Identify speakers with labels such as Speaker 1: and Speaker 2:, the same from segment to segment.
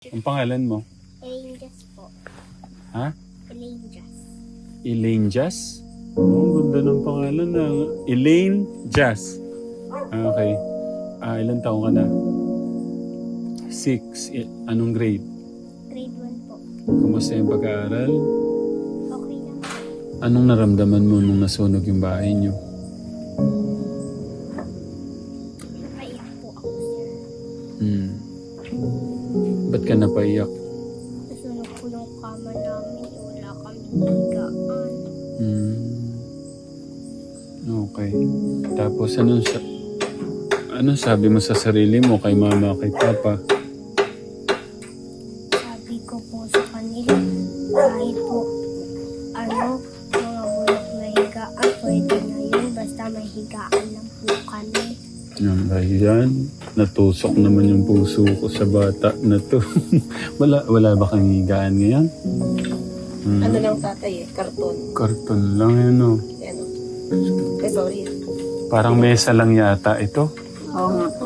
Speaker 1: Ang pangalan mo?
Speaker 2: Elaine Jazz po.
Speaker 1: Ha?
Speaker 2: Elaine Jazz.
Speaker 1: Elaine Jazz? Oh, ang ganda ng pangalan na. Elaine Jazz. Okay. Ilan taong ka na? 6. Anong grade?
Speaker 2: Grade 1 po.
Speaker 1: Kumusta yung pag-aaral?
Speaker 2: Okay lang.
Speaker 1: Anong naramdaman mo nung nasunog yung bahay niyo?
Speaker 2: Naiyak po ako, sir.
Speaker 1: Ba't ka napaiyak?
Speaker 2: Nasunog po yung kama namin. Wala kami higaan.
Speaker 1: Okay. Tapos anong sabi mo sa sarili mo kay mama, kay papa?
Speaker 2: Sabi ko po sa kanila, kahit po, mga bulok na higaan, pwede na yun. Basta may higaan lang po kami.
Speaker 1: Ayan, natusok naman yung puso ko sa bata na to. wala ba kang higaan ngayon?
Speaker 3: Ano lang tatay karton.
Speaker 1: Karton lang yun, no?
Speaker 3: Yan o. Sorry.
Speaker 1: Parang mesa lang yata ito.
Speaker 3: Oo nga po.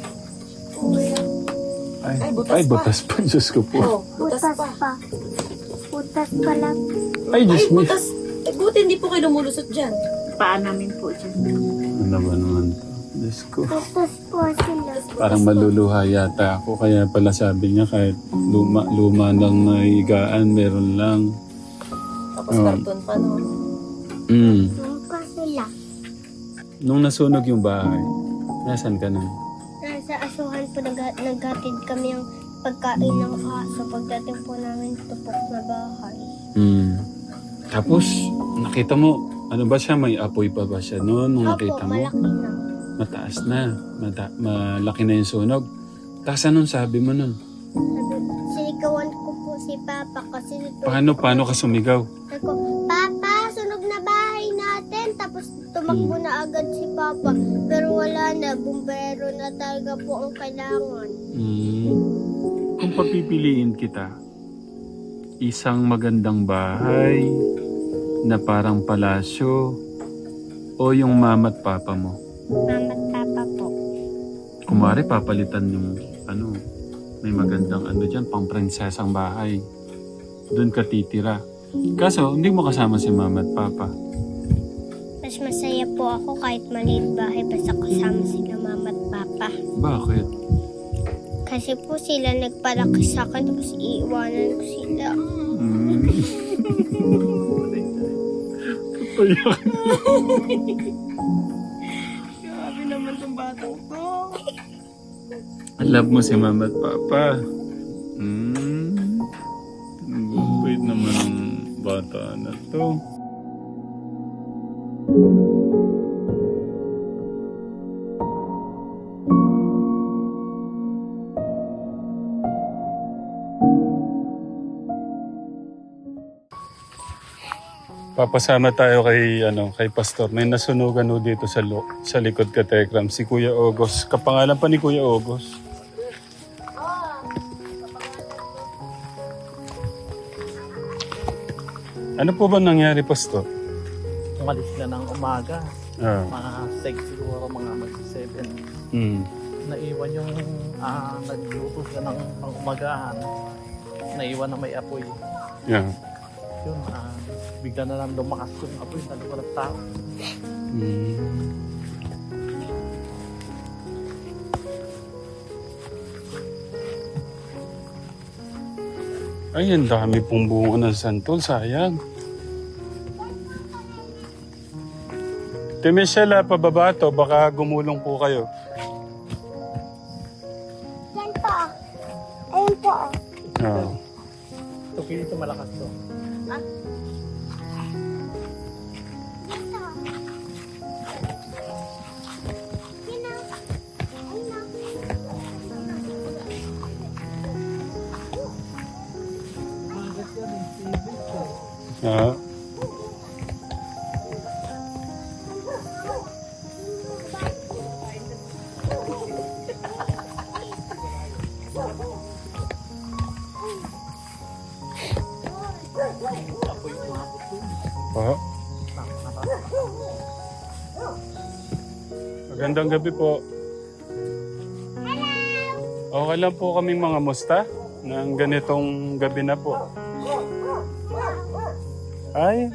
Speaker 1: Ay, butas pa. Diyos ko po.
Speaker 3: Oh, butas pa.
Speaker 2: Butas pa lang.
Speaker 1: Ay, Diyos mo.
Speaker 3: Butas. Buti hindi po kayo lumulusot dyan.
Speaker 4: Paa namin po dyan.
Speaker 1: Ano ba naman to? Diyos ko.
Speaker 2: Butas po sila.
Speaker 1: Parang maluluha yata ako. Kaya pala sabi niya kahit luma lang na higaan, meron lang.
Speaker 3: Tapos karton pa, no?
Speaker 2: Doon pa sila.
Speaker 1: Nung nasunog yung bahay, nasan ka na?
Speaker 2: Nasa asuhan po naghatid kami ng pagkain ng aso. Pagdating po namin tupok na bahay.
Speaker 1: Tapos, nakita mo, ano ba siya? May apoy pa ba siya noon nung nakita mo?
Speaker 2: Malaki na.
Speaker 1: Mataas na. Malaki na yung sunog. Tapos anong sabi mo nun?
Speaker 2: Sinigawan ko po si Papa kasi
Speaker 1: Paano ka sumigaw?
Speaker 2: Sabi ko, Papa, sunog na bahay natin. Tapos tumakbo na agad si Papa. Pero wala na, bumbero na talaga po ang kailangan.
Speaker 1: Kung papipiliin kita, isang magandang bahay na parang palasyo o yung mama at papa mo?
Speaker 2: Mama at Papa po.
Speaker 1: Kumari papalitan yung may magandang dyan, pang prinsesang bahay. Doon ka titira. Kaso, hindi mo kasama si mama at papa.
Speaker 2: Mas masaya po ako kahit maliit bahay basta kasama sila Mama at Papa.
Speaker 1: Bakit?
Speaker 2: Kasi po sila nagpalaki sa akin tapos iiwanan ko sila.
Speaker 1: Payak.
Speaker 3: Grabe naman tong batang to.
Speaker 1: Love mo si mama at papa. Wait naman ang bata na to. Papasama tayo kay Pastor. May nasunugan ho dito sa likod ka, Tekram. Si Kuya Ogos. Kapangalan pa ni Kuya Ogos. Ano po ba nangyari, Pastor?
Speaker 4: Umalis na ng umaga.
Speaker 1: Ah.
Speaker 4: Mga 6 siguro, mga mag-7. Naiwan yung nagluto siya ng pang-umagahan. Naiwan na may apoy.
Speaker 1: Yeah.
Speaker 4: Yun, bigla na lang lumakas yung apoy na lumakas tao.
Speaker 1: Ay, ang dami pong bunga ng santol. Sayang. Michelle, pababa to. Baka gumulong po kayo.
Speaker 2: Yan po. Ayun po.
Speaker 1: Ah.
Speaker 4: Ito, ito malakas to.
Speaker 1: Ah. Magandang gabi po. Hello. Okay lang po kaming mga musta. ng ganitong gabi na po. Ay.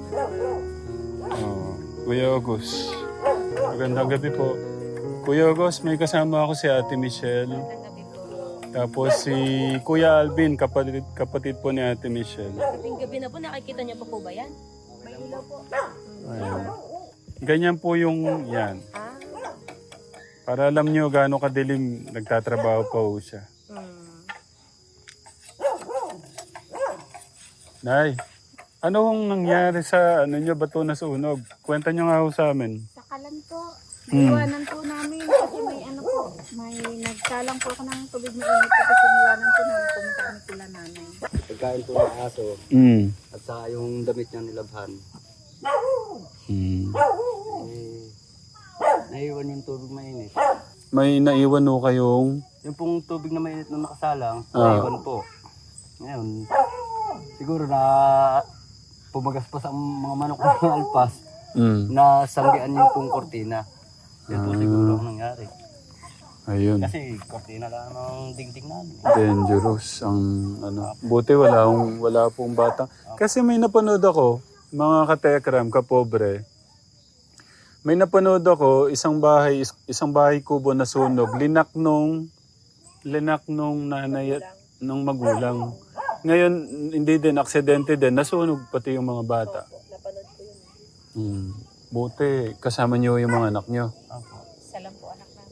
Speaker 1: Oh, Kuya August. Magandang gabi po. Kuya August, may kasama ako si Ate Michelle. Tapos si Kuya Alvin, kapatid po ni Ate Michelle.
Speaker 3: Gabi na po, nakikita niyo pa po ba yan? May ilaw po.
Speaker 1: Ayan. Ganyan po yung yan.
Speaker 3: Ah.
Speaker 1: Para alam nyo gaano kadilim nagtatrabaho pa po siya. Nay, ano hong nangyari sa ano nyo, bato na sunog? Kwenta nyo nga ho sa amin.
Speaker 2: Sa kalan po.
Speaker 5: Iwanan po namin kasi may ano po, may nagsalang po ako ng tubig na init tapos iniwanan po namin pumunta kami sila nanay.
Speaker 6: Pagkain po ng aso at saka yung damit niya nilabhan. Naiwan yung tubig mainit.
Speaker 1: May naiwan ho kayong...
Speaker 6: Yung pong tubig na mainit na nakasalang,
Speaker 1: Ah.
Speaker 6: naiwan po. Ngayon, siguro na pumagas pa sa mga manok ng alpas na sanggian yung pong kortina. Yan po siguro ang nangyari.
Speaker 1: Ayun.
Speaker 6: Kasi kortina lang ang dingding namin.
Speaker 1: Dangerous ang ano. Buti wala pong bata. Kasi may napanood ako, mga katekram, kapobre. May napanood ako, isang bahay kubo na sunog. Linak nung nanay at nung magulang. Ngayon, hindi din, aksidente din. Nasunog pati yung mga bata.
Speaker 3: Napanood ko yun.
Speaker 1: Buti, kasama niyo yung mga anak niyo.
Speaker 3: Isa lang po anak namin.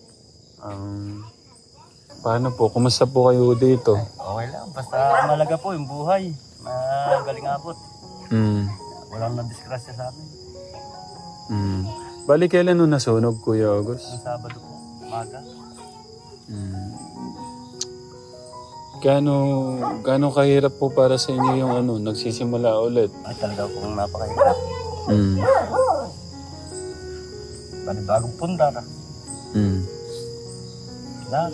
Speaker 1: Paano po? Kumusta po kayo dito?
Speaker 6: Okay lang, basta malaga po yung buhay. Magaling abot. Walang na-disgrasya sa amin.
Speaker 1: Bali, kailan nung nasunog, Kuya August?
Speaker 6: Ang Sabado po, umaga.
Speaker 1: Gaano kahirap po para sa inyo yung ano, nagsisimula ulit?
Speaker 6: Ay talaga pong napakahirap. Bali bagong pundar. Lahat.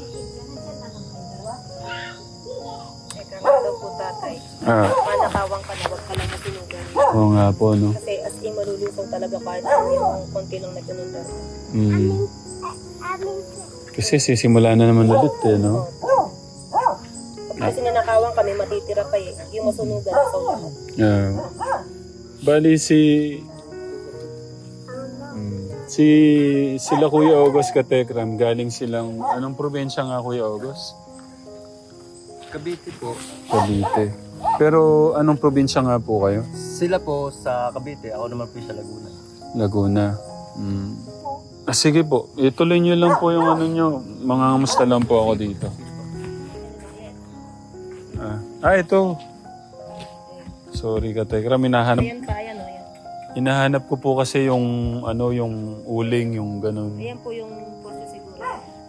Speaker 3: Teka nga daw po tatay. Manakawang ka na, wag ka lang masunugan.
Speaker 1: Oo nga po, no?
Speaker 3: Kasi as in malulusong talaga kahit ano yung konti lang nagkanundar.
Speaker 1: Kasi sisimula na naman ulit, eh, no?
Speaker 3: Kasi nanakawang kami, matitira pa eh. Yung masunugan sa lahat.
Speaker 1: Bali sila Kuya August Katekram, galing silang, anong probinsya nga Kuya August?
Speaker 6: Cavite po.
Speaker 1: Cavite. Pero anong probinsya nga po kayo?
Speaker 6: Sila po sa Cavite, ako naman po sa Laguna.
Speaker 1: Laguna. Sige po, ituloy nyo lang po yung ano nyo. Mangangamusta lang po ako dito. Ito. Sorry Katekram,
Speaker 3: Ayan pa, ayan o. Ayan.
Speaker 1: hinahanap ko po kasi yung ano, yung uling, yung ganun.
Speaker 3: Ayan po yung poste siguro.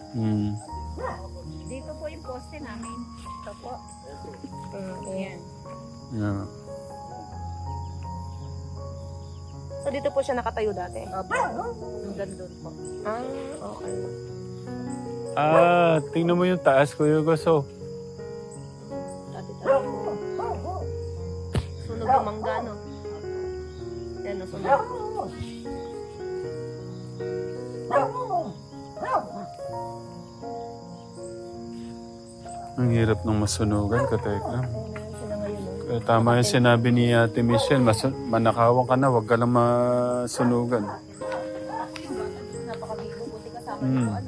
Speaker 5: Dito po yung poste namin. Ito po.
Speaker 3: Ayan.
Speaker 1: Yeah.
Speaker 3: So dito po siya nakatayo dati?
Speaker 5: Opo. Hanggang doon po.
Speaker 3: Okay.
Speaker 1: Tingnan mo yung taas, Kuya Gusto.
Speaker 3: Dati tayo. Sunog yung mangga, no? Yan, no, sunog.
Speaker 1: Ang hirap ng masunugan, Katekram.
Speaker 3: Sila ngayon, no?
Speaker 1: Tama yung sinabi ni Ate Michelle, manakawan ka na, huwag ka lang masunugan.
Speaker 3: Napakabigo, buti kasama yung ano.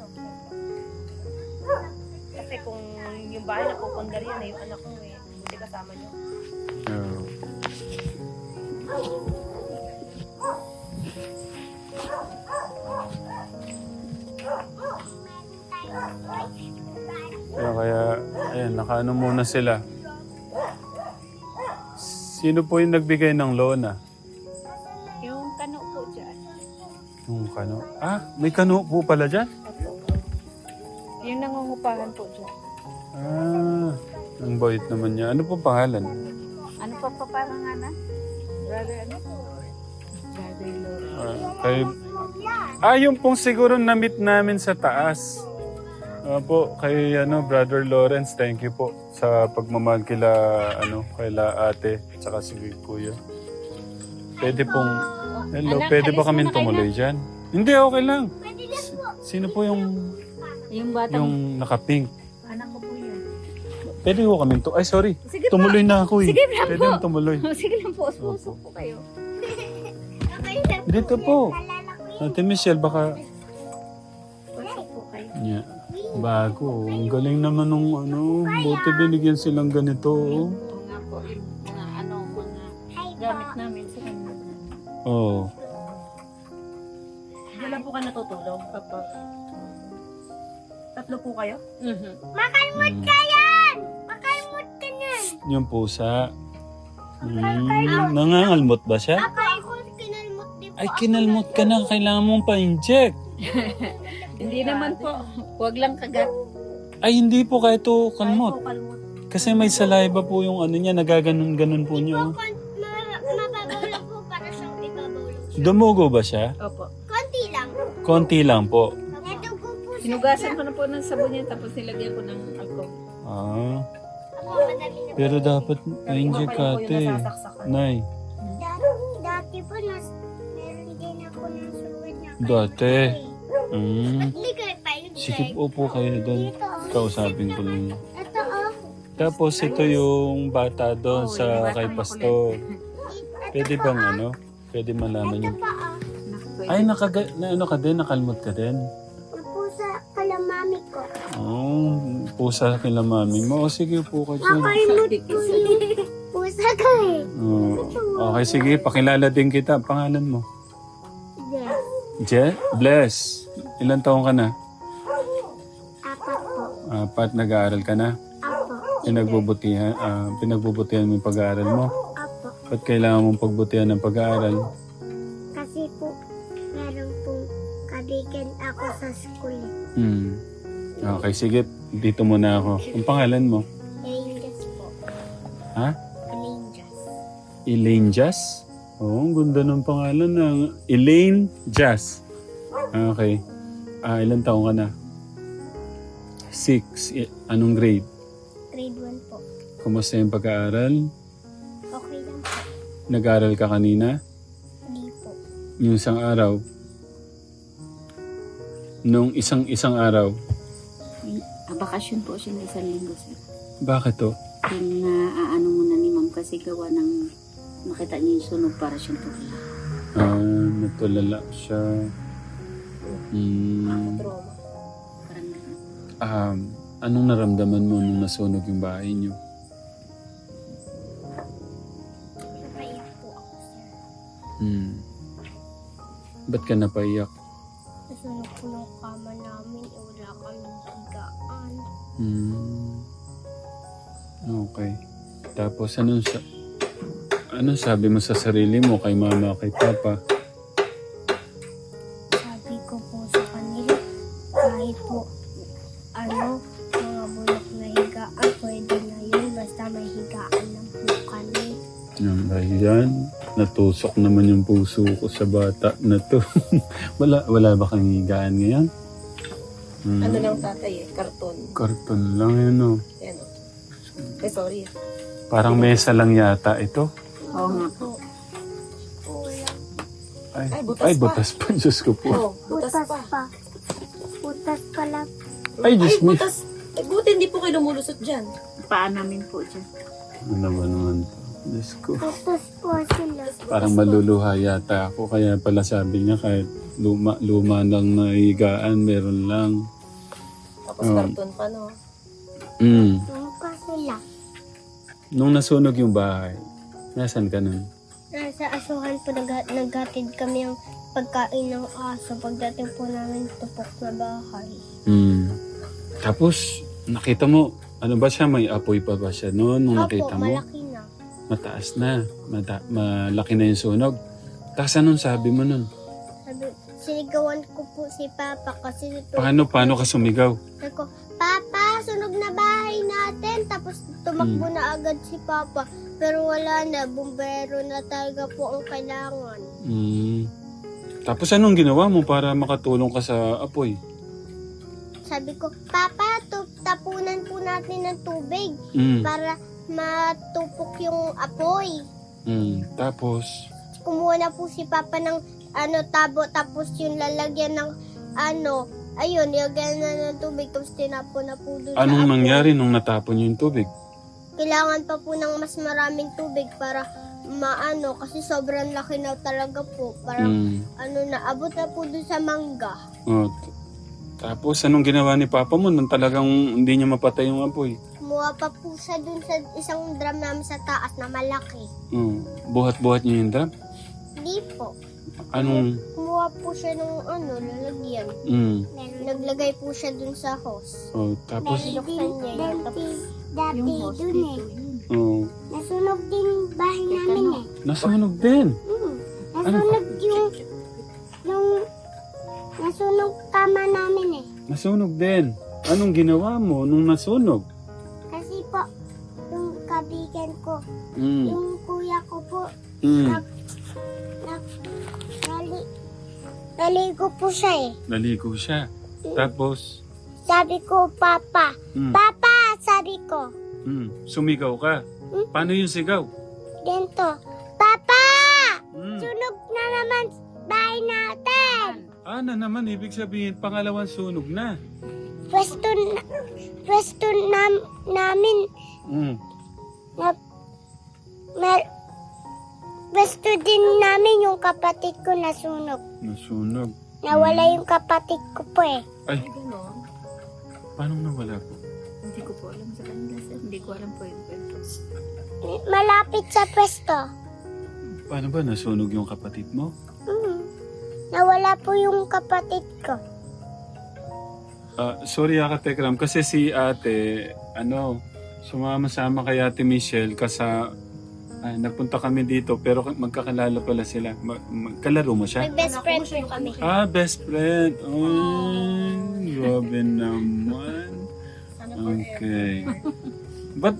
Speaker 3: Kasi kung yung bahay na pupundar yan, yung anak ko eh. Buti kasama nyo.
Speaker 1: Yeah. Kaya, ayan, nakaano muna sila. Sino po yung nagbigay ng lona?
Speaker 5: Yung kano po dyan.
Speaker 1: Yung kano? May kano po pala dyan?
Speaker 5: Yung nangungupahan po dyan.
Speaker 1: Ang bait naman niya. Ano po pangalan?
Speaker 5: Ano pa paparanganan? Brother ano? Brother Lord.
Speaker 1: Yung pong siguro na-meet namin sa taas. Po, kay Brother Lawrence, thank you po sa pagmamahal kaila ate, tsaka si Kuya. Pwede pong, hello, pwede ba kami tumuloy dyan? Hindi, okay lang. Sino po yung
Speaker 5: Yung batang
Speaker 1: nakapink?
Speaker 5: anak ko po yun.
Speaker 1: Pwede ko kami to. Ay, sorry.
Speaker 5: Sige
Speaker 1: Tumuloy na ako eh.
Speaker 5: Sige lang
Speaker 1: Pwede
Speaker 5: po.
Speaker 1: yung tumuloy.
Speaker 5: Sige lang po, usok po kayo.
Speaker 2: Okay na po.
Speaker 1: Dito po.
Speaker 2: Nalala ko yun.
Speaker 1: Ate Michelle, baka...
Speaker 5: Usok po kayo.
Speaker 1: Yeah. Bago. Ang galing naman nung ano. Buti binigyan silang ganito. Oh.
Speaker 5: Oo nga po, yung mga mga gamit namin sa kanila.
Speaker 1: Oh.
Speaker 3: Diyan lang po ka natutulog kapag... Tatlo po kayo?
Speaker 2: Makalmot ka yan! Makalmot ka yan!
Speaker 1: Yung pusa. Nangangalmot ba siya?
Speaker 2: Ako kinalmot din po.
Speaker 1: Ay, kinalmot ka na. Kailangan mong pa-inject.
Speaker 5: Hindi naman po. Huwag lang kagat.
Speaker 1: Ay, hindi po kahit to kalmot.
Speaker 3: Kalmot.
Speaker 1: Kasi may saliva po yung ano niya. Nagaganon-ganon po niya. Oh.
Speaker 2: Mababaw lang po para siyang ibabaw lang siya.
Speaker 1: Dumugo ba siya?
Speaker 5: Opo.
Speaker 2: Konti lang.
Speaker 1: Konti lang po.
Speaker 2: Nadugo po siya.
Speaker 5: Hinugasan ko na po ng sabon yan, tapos nilagyan ko ng alcohol.
Speaker 1: Ah.
Speaker 2: Ako, madami na po.
Speaker 1: Pero dapat na-inject ka,
Speaker 3: Iba pa rin po
Speaker 1: ate.
Speaker 3: yung nasasaksakan.
Speaker 1: Nay.
Speaker 2: Dati po, meron din ako ng suwad na
Speaker 1: Dati. Mm.
Speaker 2: Hindi kayo pa yung
Speaker 1: Sige, upo kayo doon. Kausapin ko lang.
Speaker 2: Ito oh.
Speaker 1: Tapos ito yung bata doon sa kay Pastor. Pwede bang ano? Pwede malaman
Speaker 2: Ito
Speaker 1: yung...
Speaker 2: pa oh.
Speaker 1: Ay, ano ka din? Nakalmot ka din?
Speaker 2: Napo sa kalamami ko.
Speaker 1: Oh, pusa kila mami mo. O sige, upo ka dyan.
Speaker 2: Makalmot po yung pusa ko eh.
Speaker 1: Oh. Okay, sige. Pakilala din kita. Pangalan mo?
Speaker 2: Yes.
Speaker 1: Bless. Ilan taong ka na?
Speaker 2: Apat po.
Speaker 1: Apat, nag-aaral ka na?
Speaker 2: Apo.
Speaker 1: Pinagbubutihan mo yung pag-aaral mo?
Speaker 2: Apo.
Speaker 1: Ba't kailangan mong pagbutihan ng pag-aaral?
Speaker 2: Kasi po, meron pong kabigan ako sa school.
Speaker 1: Okay, sige. Dito muna ako. Ang pangalan mo?
Speaker 2: Angels po.
Speaker 1: Ha?
Speaker 2: Angels.
Speaker 1: Elaine Jazz? Oo, ang ganda ng pangalan ng Elaine Jazz. Okay. Ilan taong ka na? 6. Anong grade?
Speaker 2: Grade 1 po.
Speaker 1: Kumusta yung pag-aaral?
Speaker 2: Okay lang po.
Speaker 1: Nag-aaral ka kanina?
Speaker 2: Hindi po.
Speaker 1: Yung isang araw? Nung isang araw?
Speaker 7: Bakasyon po siya ng 1 linggo, sir.
Speaker 1: Bakit to?
Speaker 7: Yung aano muna ni ma'am kasi gawa ng makita niya yung sunog para siyang tulala.
Speaker 1: Natulala siya.
Speaker 3: Trauma.
Speaker 7: Parang gano'n.
Speaker 1: Anong naramdaman mo nung nasunog yung bahay niyo?
Speaker 2: Napaiyak po ako, sir.
Speaker 1: Ba't ka napaiyak?
Speaker 2: Nasunog po yung kama namin. Wala kaming higaan.
Speaker 1: Okay. Tapos anong sabi mo sa sarili mo kay mama, kay papa?
Speaker 2: Sabi ko po sa kanila, kahit po, mga bulok na higaan, pwede na yun. Basta may higaan lang po kami.
Speaker 1: Ayan, natusok naman yung puso ko sa bata na to. wala ba kang higaan ngayon?
Speaker 3: Ano lang tatay eh, karton.
Speaker 1: Karton lang yun, no?
Speaker 3: Yan o. Eh, sorry.
Speaker 1: Parang mesa lang yata ito.
Speaker 7: Oo nga po.
Speaker 1: Ay, butas pa. Diyos ko po.
Speaker 3: Oh, butas pa.
Speaker 2: Butas pa lang.
Speaker 1: Ay, Diyos me.
Speaker 3: butas. Eh, buti hindi po kayo lumulusot dyan.
Speaker 7: Paa namin po dyan.
Speaker 1: Ano ba naman to? Diyos ko.
Speaker 2: Butas po sila.
Speaker 1: Parang maluluha yata ako. Kaya pala sabi niya kahit luma lang na higaan, meron lang.
Speaker 3: Tapos karton pa, no?
Speaker 1: Mm.
Speaker 2: Mukha sila.
Speaker 1: Nung nasunog yung bahay, nasan ka nun?
Speaker 2: Nasa asuhan po naghatid kami ang pagkain ng aso. Pagdating po namin tupok na bahay.
Speaker 1: Tapos, nakita mo, ano ba siya? May apoy pa ba siya noon nung nakita mo?
Speaker 2: malaki na.
Speaker 1: Mataas na. Malaki na yung sunog. Tapos anong sabi mo nun?
Speaker 2: Sinigawan ko po si Papa kasi
Speaker 1: Paano ka sumigaw?
Speaker 2: sabi ko, Papa, sunog na bahay natin. Tapos tumakbo na agad si Papa. Pero wala na, bumbero na talaga po ang kailangan.
Speaker 1: Tapos anong ginawa mo para makatulong ka sa apoy?
Speaker 2: Sabi ko, Papa, tapunan po natin ng tubig para matupok yung apoy.
Speaker 1: Tapos?
Speaker 2: Kumuha na po si Papa ng tabo tapos yung lalagyan ng ayun, nilagyan na ng tubig, tapos tinapon na po doon
Speaker 1: Anong
Speaker 2: sa
Speaker 1: nangyari nung natapon niyo yung tubig?
Speaker 2: Kailangan pa po ng mas maraming tubig para maano, kasi sobrang laki na talaga po. Parang naabot na po doon sa mangga.
Speaker 1: Oh, tapos anong ginawa ni Papa mo nung talagang hindi niya mapatay yung apoy?
Speaker 2: Kumuha pa po siya doon sa isang drum namin sa taas na malaki.
Speaker 1: Buhat-buhat niya yung drum?
Speaker 2: Hindi po.
Speaker 1: Anong...
Speaker 2: Kumuha po siya ng lalagyan. Naglagay po siya doon sa hose.
Speaker 1: Oh, tapos...
Speaker 2: Binuksan niya yun. Tapos, dati
Speaker 5: Yung host
Speaker 2: doon
Speaker 5: dito yun.
Speaker 1: Oh,
Speaker 2: nasunog din bahay namin
Speaker 1: nasunog din.
Speaker 2: Nasunog nasunog kama namin
Speaker 1: Nasunog din. Anong ginawa mo nung nasunog?
Speaker 2: Kasi po, yung kabigan ko,
Speaker 1: Mm.
Speaker 2: yung kuya ko po,
Speaker 1: Mm.
Speaker 2: naligo po siya
Speaker 1: Naligo siya. Tapos...
Speaker 2: Sabi ko, Papa.
Speaker 1: Mm.
Speaker 2: Papa, sabi ko.
Speaker 1: Sumigaw ka. Paano yung sigaw?
Speaker 2: Ganito. Papa!
Speaker 1: Mm.
Speaker 2: Sunog na naman bahay natin.
Speaker 1: Na naman, ibig sabihin, pangalawang sunog na.
Speaker 2: Pwesto namin
Speaker 1: Mm.
Speaker 2: pwesto din namin yung kapatid ko nasunog.
Speaker 1: Nasunog.
Speaker 2: Nawala yung kapatid ko po
Speaker 1: Ay,
Speaker 5: Ganon.
Speaker 1: paano nawala po?
Speaker 5: Hindi ko po alam sa kanila, sir. Hindi ko alam po yung kwento.
Speaker 2: Malapit sa pwesto.
Speaker 1: Paano ba nasunog yung kapatid mo?
Speaker 2: Nawala po yung kapatid ko.
Speaker 1: Sorry Katekram, kasi si ate, sumama-sama kay ate Michelle nagpunta kami dito pero magkakilala pala sila. Kalaro mo siya?
Speaker 2: Nag-best friend po kami.
Speaker 1: Best friend. Grabe naman. Okay. But,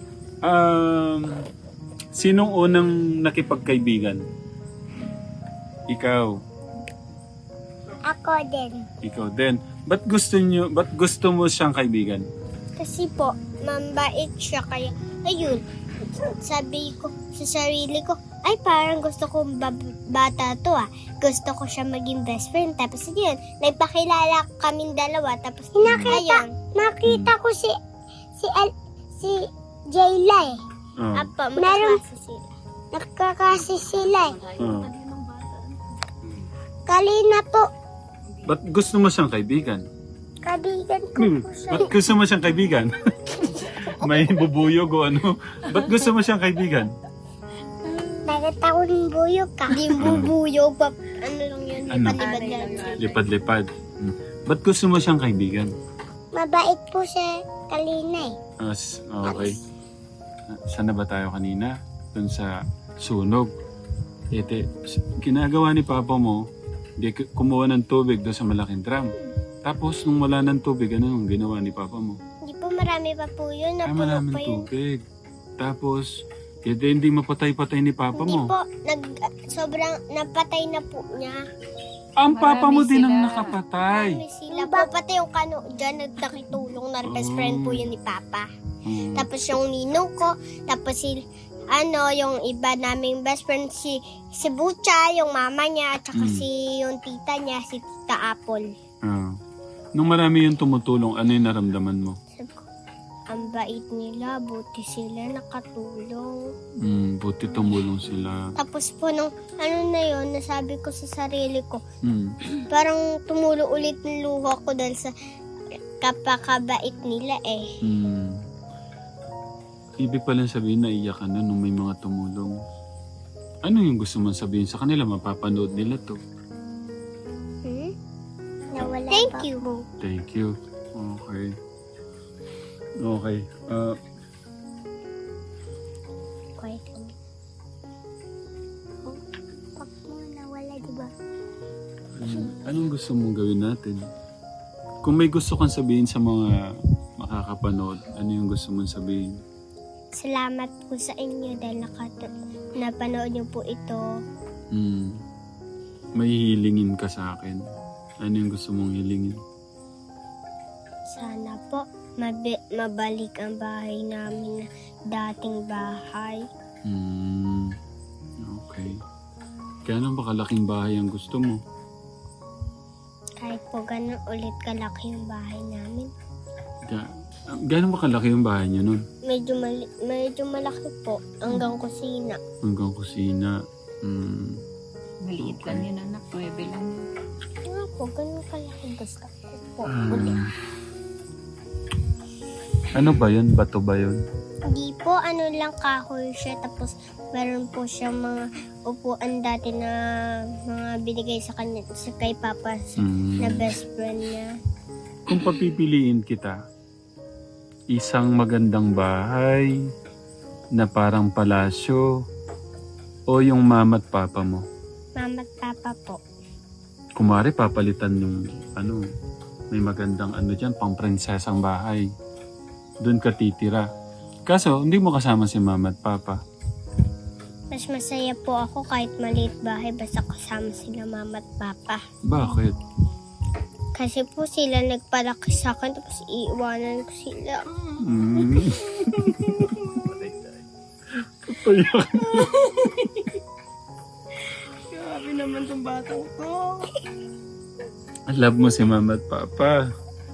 Speaker 1: sinong unang nakipagkaibigan? Ikaw.
Speaker 2: Ako din.
Speaker 1: Ikaw din. Ba't gusto mo siyang kaibigan?
Speaker 2: Kasi po, mambait siya kaya, ayun, sabi ko sa sarili ko, ay parang gusto kong bata to Gusto ko siya maging best friend. Tapos yun, nagpakilala kaming dalawa. Tapos nakita ko si Jayla Apa, magkakasi sila. Nagkakasi sila Kalina po.
Speaker 1: Ba't gusto mo siyang kaibigan?
Speaker 2: Kaibigan ko po siya.
Speaker 1: Ba't gusto mo siyang kaibigan? May bubuyog o ano? Ba't gusto mo siyang kaibigan?
Speaker 2: Nakita ko ng buyog ka. Hindi bubuyog pa. Ano lang yun?
Speaker 1: Ano?
Speaker 2: Lipad-lipad lang.
Speaker 1: Lipad-lipad. Ba't gusto mo siyang kaibigan?
Speaker 2: Mabait po siya kalina
Speaker 1: Okay. Saan na ba tayo kanina? Doon sa sunog. Ginagawa ni Papa mo, kumuha ng tubig doon sa malaking drum. Tapos, nung wala ng tubig, ano yung ginawa ni Papa mo?
Speaker 2: Hindi po marami pa po yun. Napuno
Speaker 1: Maraming
Speaker 2: pa yun.
Speaker 1: tubig. Tapos, hindi mapatay-patay ni Papa
Speaker 2: Hindi
Speaker 1: mo.
Speaker 2: po. Sobrang napatay na po niya.
Speaker 1: Ang Papa mo
Speaker 5: Marami
Speaker 1: din ang
Speaker 5: sila.
Speaker 1: nakapatay.
Speaker 2: Marami sila po. Pati yung kano dyan, nagtakitulong na best friend po yun ni Papa. Tapos yung ninong ko, tapos yung iba naming best friend, si Bucha, yung mama niya, at saka yung tita niya, si Tita Apple.
Speaker 1: Nung marami yung tumutulong, ano yung naramdaman mo?
Speaker 2: Sabi ko, ang bait nila, buti sila nakatulong.
Speaker 1: Buti tumulong sila.
Speaker 2: Tapos po nung nasabi ko sa sarili ko, parang tumulo ulit ng luha ko dahil sa kapakabait nila
Speaker 1: Ibig palang sabihin na iyak ka na nung may mga tumulong. Ano yung gusto mong sabihin sa kanila? Mapapanood nila to.
Speaker 2: Nawala Thank you.
Speaker 1: Thank you. Okay. Okay.
Speaker 2: Quiet kami. Pag mo nawala, diba?
Speaker 1: Anong gusto mong gawin natin? Kung may gusto kang sabihin sa mga makakapanood, ano yung gusto mong sabihin?
Speaker 2: Salamat po sa inyo dahil napanood niyo po ito.
Speaker 1: May hilingin ka sa akin. Ano yung gusto mong hilingin?
Speaker 2: Sana po mabalik ang bahay namin na dating bahay.
Speaker 1: Okay. Kaya ba kalaking bahay ang gusto mo?
Speaker 2: Kahit po po ganun ulit kalaki yung bahay namin.
Speaker 1: Gano'n ba kalaki yung bahay niyo nun?
Speaker 2: Medyo malaki po. Hanggang kusina.
Speaker 1: Hanggang kusina.
Speaker 5: Maliit lang yun anak, 9 lang.
Speaker 2: Nga po, ganun kalaki. Gusto ko po.
Speaker 1: Ano ba yun? Bato ba yun?
Speaker 2: Hindi po, ano lang kahoy siya. Tapos meron po siyang mga upuan dati na mga binigay sa kanya, kay Papa na best friend niya.
Speaker 1: Kung papipiliin kita, isang magandang bahay na parang palasyo o yung mama at papa mo?
Speaker 2: Mama at Papa po.
Speaker 1: Kumari papalitan yung may magandang dyan, pang prinsesang bahay. Doon ka titira. Kaso, hindi mo kasama si mama at papa.
Speaker 2: Mas masaya po ako kahit maliit bahay basta kasama sila Mama at Papa.
Speaker 1: Bakit?
Speaker 2: Kasi po sila nagpalaki sa akin tapos iiwanan ko sila.
Speaker 1: Papayak.
Speaker 3: Grabe naman tong batang to.
Speaker 1: Love mo si mama at papa.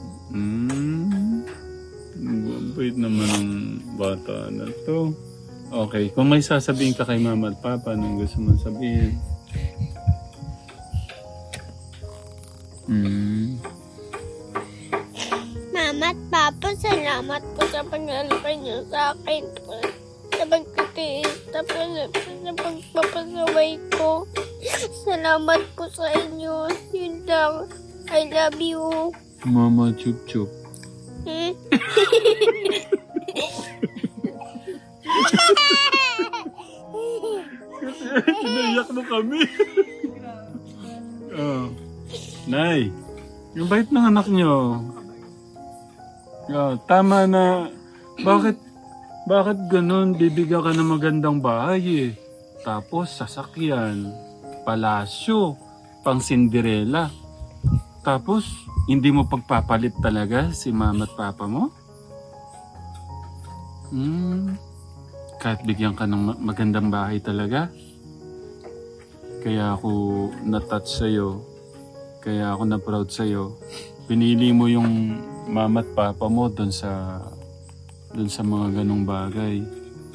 Speaker 1: Bait naman ang bata na to. Okay, kung may sasabihin ka kay mama at papa, anong gusto mong sabihin?
Speaker 2: Mama at Papa, salamat po sa pag-alipay niyo sa akin. Sa pagtitiis, tapos sa pagpapasaway ko. Salamat po sa inyo. Yun lang. I love you.
Speaker 1: Mama chup chup. Naiyak mo kami. Nay, yung bait ng anak nyo. Tama na. Bakit ganun? Bibigyan ka ng magandang bahay eh. Tapos sasakyan, palasyo, pang Cinderella. Tapos, hindi mo pagpapalit talaga si mama at papa mo? Kahit bigyan ka ng magandang bahay talaga? Kaya ako na-touch sa'yo. Kaya ako na-proud sa'yo. Pinili mo yung mama at papa mo doon sa mga ganong bagay.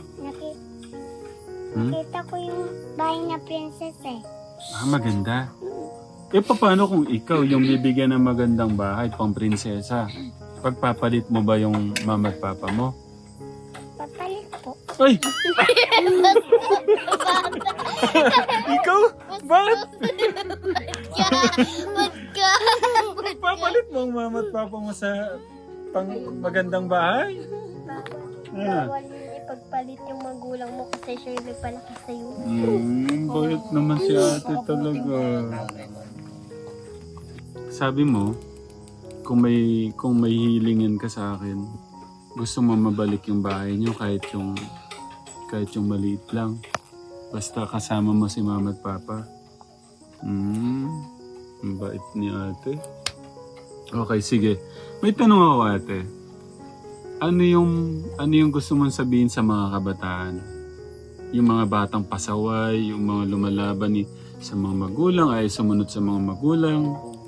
Speaker 2: Nakita ko yung bahay na princess eh.
Speaker 1: Maganda. Paano kung ikaw yung bibigyan ng magandang bahay pang prinsesa? Pagpapalit mo ba yung mama at papa mo?
Speaker 2: Papalit po.
Speaker 1: Ay! Ikaw? Bakit? Papalit mo ang mama at papa mo sa pang magandang bahay?
Speaker 2: Bawal yun ipagpalit yung magulang mo kasi siya yung nagpalaki sa'yo.
Speaker 1: Bait naman si ate talaga. Sabi mo, kung may hilingin ka sa akin, gusto mo mabalik yung bahay niyo kahit yung maliit lang. Basta kasama mo si mama at papa. Ang bait ni ate. Okay, sige. May tanong ako ate. Ano yung gusto mong sabihin sa mga kabataan? Yung mga batang pasaway, yung mga lumalaban sa mga magulang, ay sumunod sa mga magulang.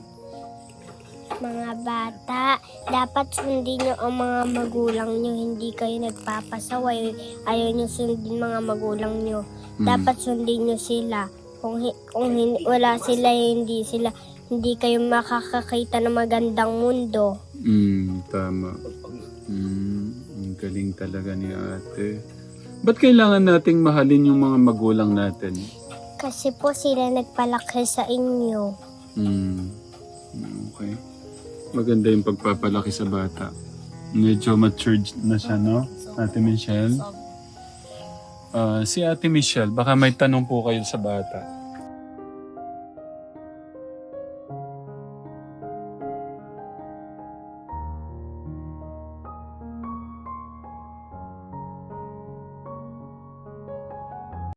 Speaker 2: Mga bata, dapat sundin nyo ang mga magulang nyo. Hindi kayo nagpapasaway. Ayaw nyo sundin mga magulang nyo. Dapat sundin nyo sila. Kung wala sila, hindi kayo makakakita ng magandang mundo.
Speaker 1: Tama. Ang galing talaga ni ate. Ba't kailangan nating mahalin yung mga magulang natin?
Speaker 2: Kasi po sila nagpalaki sa inyo.
Speaker 1: Okay. Maganda yung pagpapalaki sa bata. Medyo matured na siya, no? Ate Michelle? Si Ate Michelle, baka may tanong po kayo sa bata.